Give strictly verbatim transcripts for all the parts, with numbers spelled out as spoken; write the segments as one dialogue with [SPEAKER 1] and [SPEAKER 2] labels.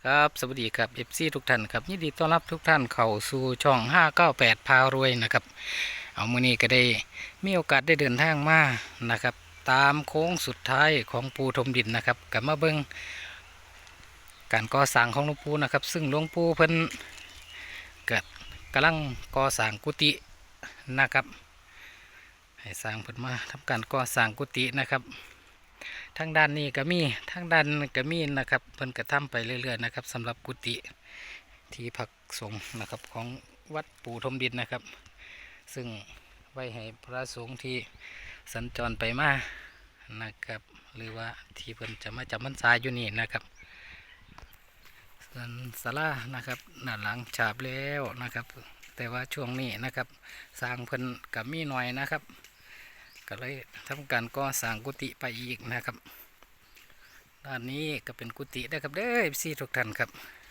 [SPEAKER 1] ครับสวัสดีครับ เอฟ ซี ทุกท่านครับยินดีต้อนรับทุกท่านเข้าสู่ช่องห้าเก้าแปดพารวยนะครับเอามื้อนี้ก็ได้มีโอกาสได้เดินทางมานะครับตามโค้งสุดท้ายของปูทมดินนะครับกลับมาเบิ่งการก่อสร้างของหลวงปู่นะครับซึ่งหลวงปู่เพิ่นก็กำลังก่อสร้างกุฏินะครับให้สร้างเพิ่นมาทำการก่อสร้างกุฏินะครับทางด้านนี้ก็มีทางด้านก็มีนะครับเพิ่นก็ทำไปเรื่อยๆนะครับสำหรับกุฏิที่พักสงฆ์นะครับของวัดปู่ทมดินนะครับซึ่งไว้ให้พระสงฆ์ที่สัญจรไปมานะครับหรือว่าที่เพิ่นจะมาจำพรรษาอยู่นี่นะครับส่วนศาลานะครับด้านหลังฉาบแล้วนะครับแต่ว่าช่วงนี้นะครับสร้างเพิ่นกับมีหน่อยนะครับก็เลยทำการก่อสร้างกุฏิไปอีกนะครับด้านนี้ก็เป็นกุฏิได้ครับเด้อพี่ทุกท่านครับ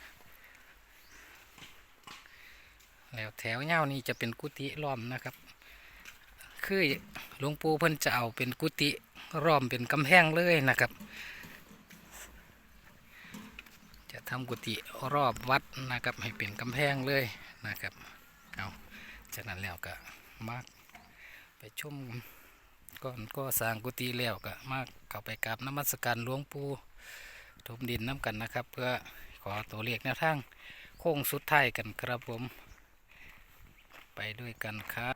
[SPEAKER 1] แล้วแถวเงานี้จะเป็นกุฏิล้อมนะครับคือหลวงปู่เพิ่นจะเอาเป็นกุฏิล้อมเป็นกำแพงเลยนะครับจะทำกุฏิรอบวัดนะครับให้เป็นกำแพงเลยนะครับเอาจากนั้นแล้วก็มาไปชมก่อนก็สร้างกุฏิแล้วก็มาเข้าไปกราบนมัสการหลวงปู่ทมดินน้ำกันนะครับเพื่อขอตัวเลขแนวทางโค้งสุดท้ายกันครับผมไปด้วยกันครับ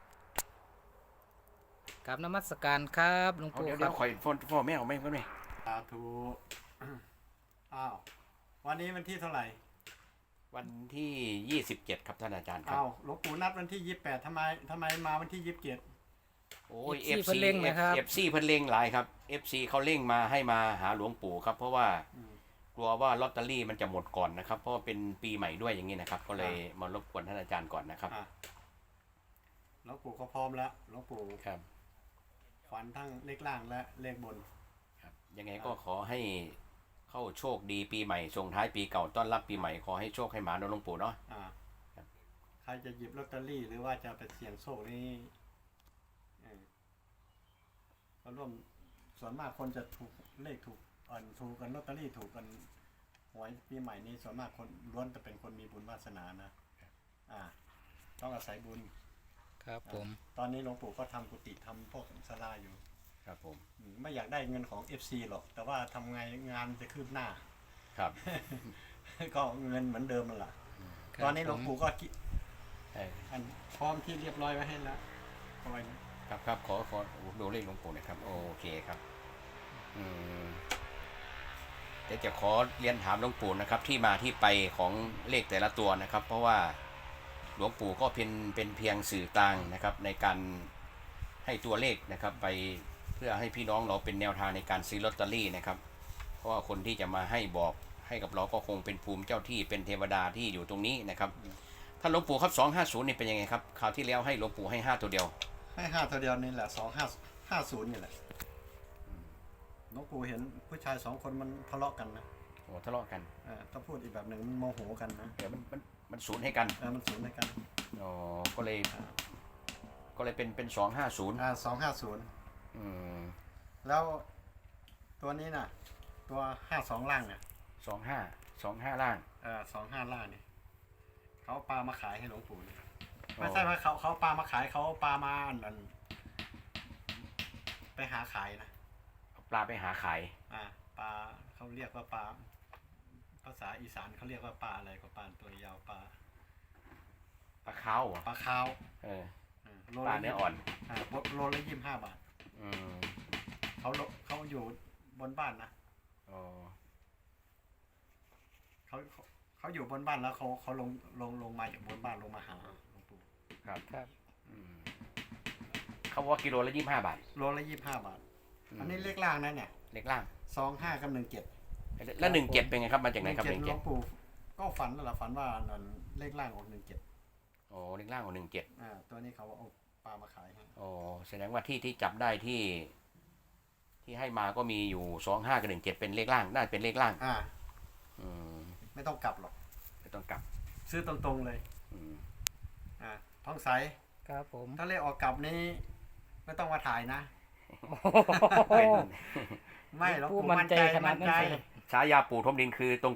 [SPEAKER 1] กราบนมัสการครับหลวง
[SPEAKER 2] เอา
[SPEAKER 1] ปู่
[SPEAKER 2] เดี๋ยว
[SPEAKER 1] ค
[SPEAKER 2] เดี๋
[SPEAKER 1] รั
[SPEAKER 2] ยว
[SPEAKER 1] บ
[SPEAKER 2] คอยฟอนฟอนแม่เอาไหมก็ไม่
[SPEAKER 3] สาธุอ้าววันนี้วันที่เท่าไหร่
[SPEAKER 2] วันที่ยี่สิบเจ็ดครับท่านอาจารย์ครับ
[SPEAKER 3] อ้าวหลวงปู่นัดวันที่ยี่สิบแปดทำไมทำไมมาวันที่ยี่สิบเจ็ด
[SPEAKER 2] โอ้ย
[SPEAKER 1] เอฟซีเพิ่นเร่งนะครับ
[SPEAKER 2] เอฟซีเพิ่นเร่งหลายครับ เอฟซีเขาเร่งมาให้มาหาหลวงปู่ครับ เพราะว่ากลัวว่าลอตเตอรี่มันจะหมดก่อนนะครับ เพราะว่าเป็นปีใหม่ด้วยอย่างนี้นะครับ ก็เลยมารบกวนท่านอาจารย์ก่อนนะครับ
[SPEAKER 3] อ่ะหลวงปู่เขาพร้อมแล้วหลวงปู่
[SPEAKER 2] ครับ
[SPEAKER 3] ฝันทั้งเลขล่างและเลขบน
[SPEAKER 2] ครับยังไงก็ขอให้เข้าโชคดีปีใหม่ส่งท้ายปีเก่าต้อนรับปีใหม่ขอให้โชคให้หมาโดนหลวงปู่เนาะ
[SPEAKER 3] อ่า
[SPEAKER 2] ครับ
[SPEAKER 3] ใครจะหยิบลอตเตอรี่หรือว่าจะไปเสี่ยงโชคนี่เออก็ร่วมส่วนมากคนจะถูกเลขถูกเอ่อถูกกันลอตเตอรี่ถูกกันหวยปีใหม่นี้ส่วนมากคนล้วนจะเป็นคนมีบุญวาสนานะอ่า ต้องอาศัยบุญ
[SPEAKER 1] ครับผม
[SPEAKER 3] ตอนนี้หลวงปู่ก็ทำกุฏิทำพวกศาลาอยู่
[SPEAKER 2] ครับผม
[SPEAKER 3] อืมไม่อยากได้เงินของ เอฟ ซี หรอก แต่ว่าทำไงงานจะคืบหน้า
[SPEAKER 2] ครับ
[SPEAKER 3] ก็เงินเหมือนเดิมนั่นแหละ
[SPEAKER 1] ครับ
[SPEAKER 3] ตอนนี้หลวงปู่ก็กิ
[SPEAKER 2] เออ
[SPEAKER 3] อันพร้อมที่เรียบร้อยไว้ให้แล้วเอาไว้นะครับ
[SPEAKER 2] ครับขอขอดูเลขหลวงปู่หน่อยครับโอเคครับอืมเดี๋ยวจะขอเรียนถามหลวงปู่นะครับ ที่มาที่ไปของเลขแต่ละตัวนะครับ เพราะว่าหลวงปู่ก็เป็นเป็นเพียงสื่อกลางนะครับ ในการให้ตัวเลขนะครับ ไปเพื่อให้พี่น้องเราเป็นแนวทางในการซื้อลอตเตอรี่นะครับ เพราะว่าคนที่จะมาให้บอกให้กับเราก็คงเป็นภูมิเจ้าที่เป็นเทวดาที่อยู่ตรงนี้นะครับท่านหลวงปู่ครับสองห้าศูนย์นี่เป็นยังไงครับคราวที่แล้วให้หลวงปู่ให้ห้าตัวเดียว
[SPEAKER 3] ให้ห้าตัวเดียวนี่แหละสองห้าห้าศูนย์นี่แหละหลวงปู่เห็นผู้ชายสองคนมันทะเลาะกันนะ
[SPEAKER 2] โอ้ทะเลาะกัน
[SPEAKER 3] เออถ้าพูดอีกแบบหนึ่งมันโมโหกันนะ
[SPEAKER 2] เดี๋ยวมันมันมันศูนย์ให้กัน
[SPEAKER 3] เออมันศูนย์ในกัน
[SPEAKER 2] อ๋อก็เลยก็เลยเป็นเป็นสองห้าศูนย์
[SPEAKER 3] อ่าสองห้าศูนย์
[SPEAKER 2] อืม
[SPEAKER 3] แล้วตัวนี้น่ะ ตัวห้าสองล่างเนี่ย
[SPEAKER 2] สองห้าสองห้าล่าง
[SPEAKER 3] เออสองห้าล่างเนี่ยเขาเอาปลามาขายให้หลวงปู่เนี่ยไม่ใช่ว่าเขาเขาเอาปลามาขายเขาเอาปลามาอันนั้นไปหาขายนะ
[SPEAKER 2] เอาปลาไปหาขาย
[SPEAKER 3] อ่าปลาเขาเรียกว่าปลาภาษาอีสานเขาเรียกว่าปลาอะไรก็ปลาตัวยาวปลา
[SPEAKER 2] ปลาข้าวเหรอ
[SPEAKER 3] ปลาขาว
[SPEAKER 2] เออ
[SPEAKER 3] อ่าโล
[SPEAKER 2] ปลา
[SPEAKER 3] ละ
[SPEAKER 2] เนื้ออ่อน
[SPEAKER 3] อ่าโลละยี่สิบห้าบาท
[SPEAKER 2] อืม
[SPEAKER 3] เขาโลเขาอยู่บนบ้านนะ
[SPEAKER 2] อ๋อ
[SPEAKER 3] เขาเขาเขาอยู่บนบ้านแล้วเขาเขาลงลงลงมาจากบนบ้านลงมาหาหลวงปู่
[SPEAKER 2] ครับ
[SPEAKER 1] ครับ
[SPEAKER 2] อืมเขาบอกว่ากิโลละยี่สิบห้าบาท
[SPEAKER 3] โลละยี่สิบห้าบาท อันนี้เลขล่างนะเนี่ย
[SPEAKER 2] เล็กล่าง
[SPEAKER 3] สองห้ากับหนึ่งเจ็ด
[SPEAKER 2] แล้วหนึ่งเจ็ดเป็นไงครับมาจากไหนครับหนึ่ง
[SPEAKER 3] หล
[SPEAKER 2] เจ็ด
[SPEAKER 3] วงปู่ก็ฝันนั่นแหละฝันว่านั่นเลขล่างออกหนึ่งเจ็ด
[SPEAKER 2] โอ้เล็กล่างของหนึ่งเจ็ด
[SPEAKER 3] อ่าตัวนี้เขาเอาปลามาขายให้
[SPEAKER 2] โอ้แสดงว่าที่ที่จับได้ที่ ที่ให้มาก็มีอยู่สองห้ากับหนึ่งเจ็ดเป็นเลขล่างน่าจะเป็นเลขล่าง
[SPEAKER 3] อ่า
[SPEAKER 2] อืม
[SPEAKER 3] ไม่ต้องกลับหรอก
[SPEAKER 2] ไม่ต้องกลับ
[SPEAKER 3] ซื้อตรงๆเลย
[SPEAKER 2] อืม
[SPEAKER 3] อ่าท้องใส
[SPEAKER 1] ครับผม
[SPEAKER 3] ถ้าเลขออกกลับนี้ไม่ต้องมาถ่ายนะ
[SPEAKER 2] เป็น
[SPEAKER 3] ไม่หรอก
[SPEAKER 1] ผู้
[SPEAKER 3] ปู่
[SPEAKER 1] มั่
[SPEAKER 3] มั่
[SPEAKER 1] น
[SPEAKER 3] น
[SPEAKER 1] ใจ
[SPEAKER 3] ใจ
[SPEAKER 1] ขนา
[SPEAKER 3] มั่
[SPEAKER 1] ด
[SPEAKER 3] น
[SPEAKER 1] นั้น
[SPEAKER 3] ใจ
[SPEAKER 1] เลย
[SPEAKER 2] ฉายาปู่ทมดินคือตรง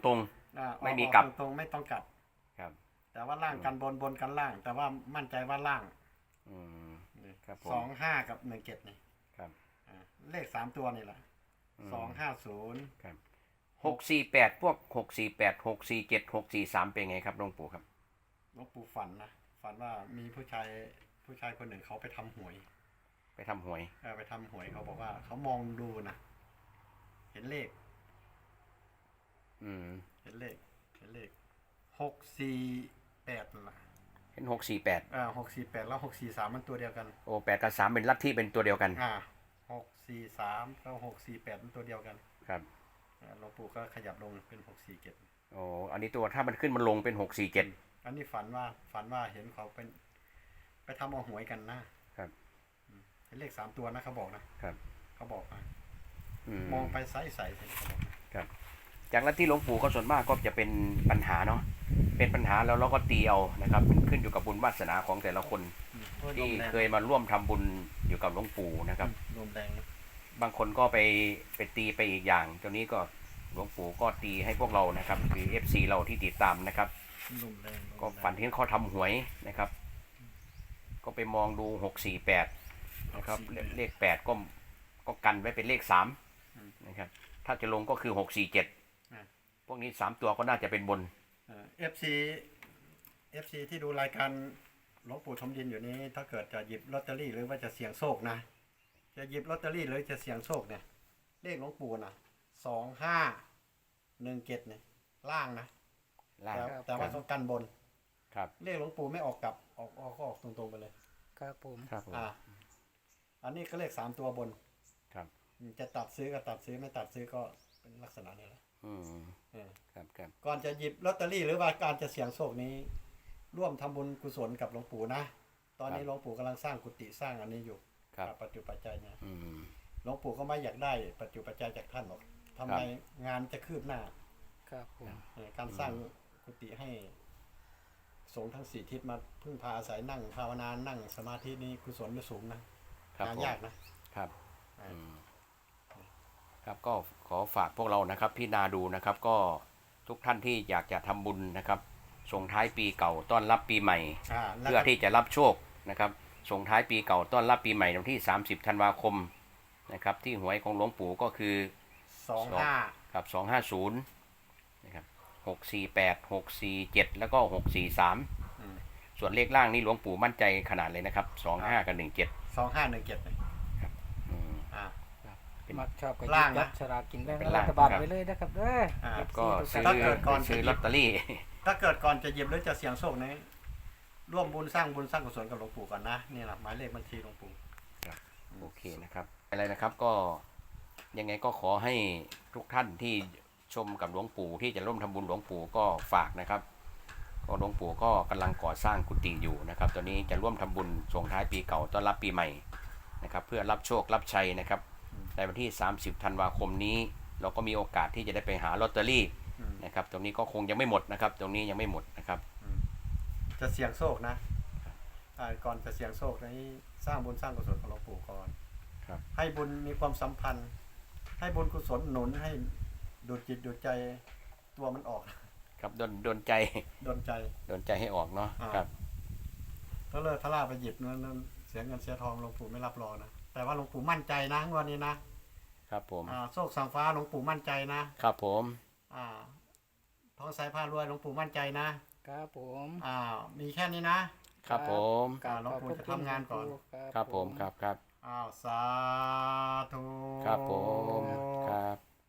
[SPEAKER 3] อ่า
[SPEAKER 2] ไม่มี
[SPEAKER 3] ออก
[SPEAKER 2] กลับ
[SPEAKER 3] ตรงๆไม่ต้องกลับ
[SPEAKER 2] ครับ
[SPEAKER 3] แต่ว่าล่างกันบนบนกันล่าง แต่ว่ามั่นใจว่าล่าง
[SPEAKER 2] อืม ครับผม
[SPEAKER 3] สองห้ากับหนึ่งเจ็ดนี่
[SPEAKER 2] ครับ
[SPEAKER 3] อ่าเลขสามตัวนี่แหละ
[SPEAKER 2] อืม
[SPEAKER 3] สองห้าศูนย์
[SPEAKER 2] ครับหกสี่แปดพวกหกสี่แปดหกสี่เจ็ดหกสี่สามเป็นไงครับหลวงปู่ครับ
[SPEAKER 3] หลวงปู่ฝันนะฝันว่ามีผู้ชายผู้ชายคนหนึ่งเขาไปทำหวย
[SPEAKER 2] ไปทำหวย
[SPEAKER 3] เออไปทำหวยเขาบอกว่าเขามองดูนะเห็นเลข
[SPEAKER 2] อืม
[SPEAKER 3] เห็นเลขเห็นเลขหกสี่แปดนั่นแหละ
[SPEAKER 2] เห็นหกสี่แปด
[SPEAKER 3] อ่าหกสี่แปดแล้วหกสี่สามมันตัวเดียวกัน
[SPEAKER 2] โอ้แปดกับสามเป็นลัทธิเป็นตัวเดียวกัน
[SPEAKER 3] อ่าหกสี่สามกับหกสี่แปดมันตัวเดียวกัน
[SPEAKER 2] ครับ
[SPEAKER 3] อ่าหลวงปู่ก็ขยับลงเป็นหกสี่เจ็ด
[SPEAKER 2] โอ้อันนี้ตัวถ้ามันขึ้นมันลงเป็นหกสี่เจ็ด
[SPEAKER 3] อันนี้ฝันว่าฝันว่าเห็นเขาเป็น ไปทำเอาหวยกันนะครับ อืมเห็นเลขสามตัวนะเขาบอกนะครับ เขาบอกนะ
[SPEAKER 2] อืม
[SPEAKER 3] มองไปใสใสๆเขาบอกนะครับ
[SPEAKER 2] จากลัทธิหลวงปู่ก็ส่วนมากก็จะเป็นปัญหาเนาะเป็นปัญหาแล้วเราก็ตีเอานะครับมันขึ้นอยู่กับบุญวาสนาของแต่ละคน
[SPEAKER 3] อืมโอ้ยล
[SPEAKER 2] ที่
[SPEAKER 3] มแรง
[SPEAKER 2] เคยมาร่วมทำบุญอยู่กับหลวงปู่นะครับ
[SPEAKER 3] ลมแรงนะ
[SPEAKER 2] บางคนก็ไปไปตีไปอีกอย่างตรงนี้ก็หลวงปู่ก็ตีให้พวกเรานะครับคือ เอฟ ซี เราที่ติดตามนะครับ
[SPEAKER 3] ลมแรงลม
[SPEAKER 2] ก็
[SPEAKER 3] แรง
[SPEAKER 2] ฝันเห็นเขาทำหวยนะครับ ก็ไปมองดูหกสี่แปดนะครับเลขเลขแปดก็ก็กันไว้เป็นเลขสามนะครับถ้าจะลงก็คือหกสี่เจ็ดพวกนี้สามตัวก็น่าจะเป็นบน
[SPEAKER 3] เอฟซีเอฟซีที่ดูรายการหลวงปู่ทมดินอยู่นี้ ถ้าเกิดจะหยิบลอตเตอรี่หรือว่าจะเสี่ยงโชคนะ จะหยิบลอตเตอรี่หรือจะเสี่ยงโชคเนี่ย เลขหลวงปู่นะสองห้าหนึ่งเจ็ดเนี่ยล่างนะ
[SPEAKER 2] ล่าง
[SPEAKER 3] แต่แต่ว่าต้องกันบน
[SPEAKER 2] ครับ
[SPEAKER 3] เลขหลวงปู่ไม่ออกกลับออกออกก็ออกตรงๆไปเลย
[SPEAKER 1] ครับผม
[SPEAKER 2] ครับผม
[SPEAKER 3] อ่า อันนี้ก็เลขสามตัวบน
[SPEAKER 2] ครับ
[SPEAKER 3] อืมจะตัดซื้อก็ตัดซื้อไม่ตัดซื้อก็เป็นลักษณะนี้แหละ
[SPEAKER 2] อืม
[SPEAKER 3] เออ
[SPEAKER 2] ครับครับ
[SPEAKER 3] ก่อนจะหยิบลอตเตอรี่หรือว่าการจะเสี่ยงโชคนี้ ร่วมทำบุญกุศลกับหลวงปู่นะ ตอนนี้หลวงปู่กำลังสร้างกุฏิสร้างอันนี้อยู่
[SPEAKER 2] ครับ
[SPEAKER 3] กับปัจจุปัจจัยเนี่ย
[SPEAKER 2] อืม
[SPEAKER 3] หลวงปู่ก็ไม่อยากได้ปัจจุปัจจัยจากท่านหรอกทำไมงานจะคืบหน้า
[SPEAKER 1] ครับผม
[SPEAKER 3] เออการสร้างกุฏิให้สงฆ์ทั้งสี่ทิศมาพึ่งพาอาศัยนั่งภาวนานั่งสมาธินี่กุศลไม่สูงนะครับ งาน
[SPEAKER 2] ผม
[SPEAKER 3] ยากนะครับ อ่า
[SPEAKER 2] อืมครับก็ขอฝากพวกเรานะครับพี่นาดูนะครับ ก็ทุกท่านที่อยากจะทำบุญนะครับส่งท้ายปีเก่าต้อนรับปีใหม่
[SPEAKER 3] อ่าแล้ว
[SPEAKER 2] เพื่อ
[SPEAKER 3] ก็
[SPEAKER 2] ที่จะรับโชคนะครับส่งท้ายปีเก่าต้อนรับปีใหม่วันที่สามสิบธันวาคมนะครับที่หวยของหลวงปู่ก็คือ
[SPEAKER 3] สองห้า
[SPEAKER 2] ครับสองห้าศูนย์นะครับหกสี่แปดหกสี่เจ็ดแล้วก็หกสี่สาม
[SPEAKER 3] อืม
[SPEAKER 2] ส่วนเลขล่างนี่หลวงปู่มั่นใจขนาดเลยนะครับสองห้ากับหนึ่งเจ็ด
[SPEAKER 3] สองห้าหนึ่งเจ็ดเลย
[SPEAKER 2] อืม
[SPEAKER 3] อ่า
[SPEAKER 2] เป็น
[SPEAKER 1] มักชอบก็หยิ
[SPEAKER 3] ล่า
[SPEAKER 1] บ
[SPEAKER 3] ง
[SPEAKER 1] ยั
[SPEAKER 3] นะ
[SPEAKER 1] ดฉลากกินแบ่ง
[SPEAKER 2] เป็น
[SPEAKER 1] รั
[SPEAKER 2] ล่าง
[SPEAKER 1] ฐบาล
[SPEAKER 2] ครับ
[SPEAKER 1] ไปเลยนะครับเด้อ
[SPEAKER 3] อ่า
[SPEAKER 1] เอฟซี
[SPEAKER 2] ก็
[SPEAKER 1] ทุก
[SPEAKER 2] ซื้อ
[SPEAKER 1] ท่าน
[SPEAKER 3] ถ้าเกิดก่อน
[SPEAKER 2] ซื้อ
[SPEAKER 3] จะหยิบ
[SPEAKER 2] ลอตเตอรี่
[SPEAKER 3] ถ้าเกิดก่อนจะหยิบหรือจะเสี่ยงโชคนี้ร่วมบุญสร้างบุญสร้างกุศลกับหลวงปู่ก่อนนะนี่แหละหมายเลขบัญชีหลวงปู่
[SPEAKER 2] โอเคนะครับอะไรนะครับก็ยังไงก็ขอให้ทุกท่านที่ชมกับหลวงปู่ที่จะร่วมทำบุญหลวงปู่ก็ฝากนะครับก็หลวงปู่ก็กำลังก่อสร้างกุฏิอยู่นะครับตอนนี้จะร่วมทำบุญส่งท้ายปีเก่าต้อนรับปีใหม่นะครับเพื่อรับโชครับชัยนะครับในวันที่สามสิบธันวาคมนี้เราก็มีโอกาสที่จะได้ไปหาลอตเตอรี่
[SPEAKER 3] อืม
[SPEAKER 2] นะครับตรงนี้ก็คงยังไม่หมดนะครับตรงนี้ยังไม่หมดนะครับ
[SPEAKER 3] จะเสี่ยงโชคนะอ่าก่อนจะเสี่ยงโชคนี้สร้างบุญสร้างกุศลกับหลวงปู่ก่อน
[SPEAKER 2] ครับ
[SPEAKER 3] ให้บุญมีความสัมพันธ์ ให้บุญกุศลหนุนให้ดูดจิตดูดใจตัวมันออก
[SPEAKER 2] ครับโดนโดนใจ
[SPEAKER 3] โดนใจ
[SPEAKER 2] โดนใจให้ออกเนาะ
[SPEAKER 3] อ่า
[SPEAKER 2] ครับ
[SPEAKER 3] ถ้าเลิกทะล่าไปหยิบนั้นนั้นเสียเงินเสียทองหลวงปู่ไม่รับรองนะแต่ว่าหลวงปู่มั่นใจนะงวันนี้นะครับ
[SPEAKER 2] ผม
[SPEAKER 3] อ่าโชคสังฟ้าหลวงปู่มั่นใจนะครับ
[SPEAKER 2] ผม
[SPEAKER 3] อ่าท้องสายผ้ารวยหลวงปู่มั่นใจนะครับ
[SPEAKER 1] ผม
[SPEAKER 3] อ่ามีแค่นี้นะครับ
[SPEAKER 2] ผม
[SPEAKER 3] อ่าหลวงปู่จะทำงานก่อน
[SPEAKER 2] ครับผมครับครับ
[SPEAKER 3] อ้าวสาธุ
[SPEAKER 2] ครับผมครับ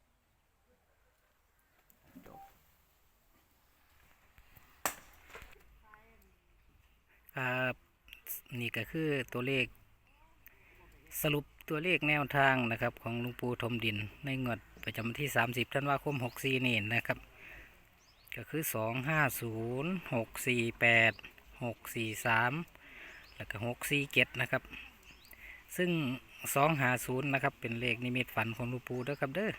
[SPEAKER 1] ครับนี่ก็คือตัวเลข สรุปตัวเลขแนวทางนะครับของหลวงปู่ทมดินในงวดประจำวันที่สามสิบธันวาคมหกสี่นี่นะครับ ก็คือสองห้าศูนย์หกสี่แปดหกสี่สามแล้วก็หกสี่เจ็ดนะครับ ซึ่งสองห้าศูนย์นะครับเป็นเลขนิมิตฝันของหลวงปู่เด้อครับเด้อ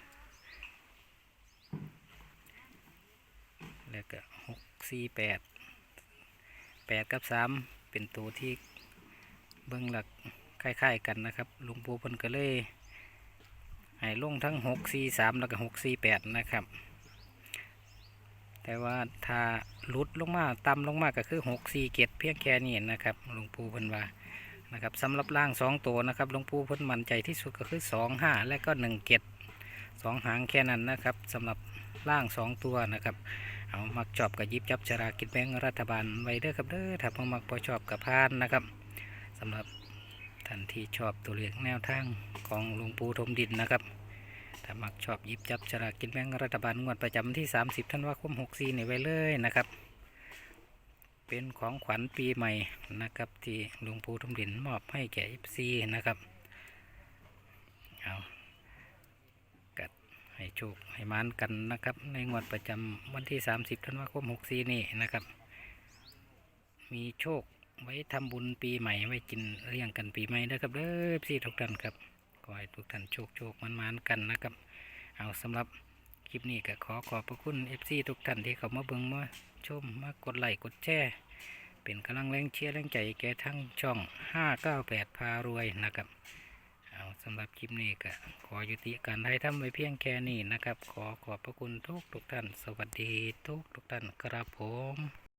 [SPEAKER 1] แล้วก็หกสี่แปดแปดกับสามเป็นตัวที่เบื้องหลักคล้ายๆกันนะครับหลวงปู่เพิ่นก็เลยให้ลงทั้งหกสี่สามแล้วก็หกสี่แปดนะครับแต่ว่าถ้าหลุดลงมาต่ำลงมาก็คือหกสี่เจ็ดเพียงแค่นี้นะครับหลวงปู่เพิ่นว่านะครับสำหรับล่างสองตัวนะครับหลวงปู่เพิ่นมั่นใจที่สุดก็คือสองห้าและก็หนึ่งเจ็ดสองหางแค่นั้นนะครับสำหรับล่างสองตัวนะครับเอามักชอบกับยิบจับฉลากกินแบ่งรัฐบาลไว้เด้อครับเด้อถ้าบ่มักบ่ชอบกับพานนะครับสำหรับท่านที่ชอบตัวเลขแนวทางของหลวงปู่ทมดินนะครับถ้ามักชอบยิบจับฉลากกินแบ่งรัฐบาลงวดประจำที่สามสิบธันวาคมหกสี่นี่ไว้เลยนะครับเป็นของขวัญปีใหม่นะครับที่หลวงปู่ทมดินมอบให้แก่ เอฟ ซี นะครับเอากัดให้โชคให้มานกันนะครับในงวดประจำวันที่สามสิบธันวาคมหกสี่นี่นะครับมีโชคไว้ทำบุญปีใหม่ไว้กินเลี้ยงกันปีใหม่นะครับเด้อ เอฟ ซี ทุกท่านครับขอให้ทุกท่านโชคโชคมันมานกันนะครับเอาสำหรับคลิปนี้ก็ขอขอบพระคุณ เอฟ ซี ทุกท่านที่เข้ามาเบิ่งมาชมมากดไลค์กดแชร์เป็นกำลังแรงเชียร์แรงใจแก่ทั้งช่องห้าเก้าแปดพารวยนะครับเอาสำหรับคลิปนี้ก็ขอยุติการให้ทำไว้เพียงแค่นี้นะครับขอขอบพระคุณทุกทุกท่านสวัสดีทุกทุกท่านครับผม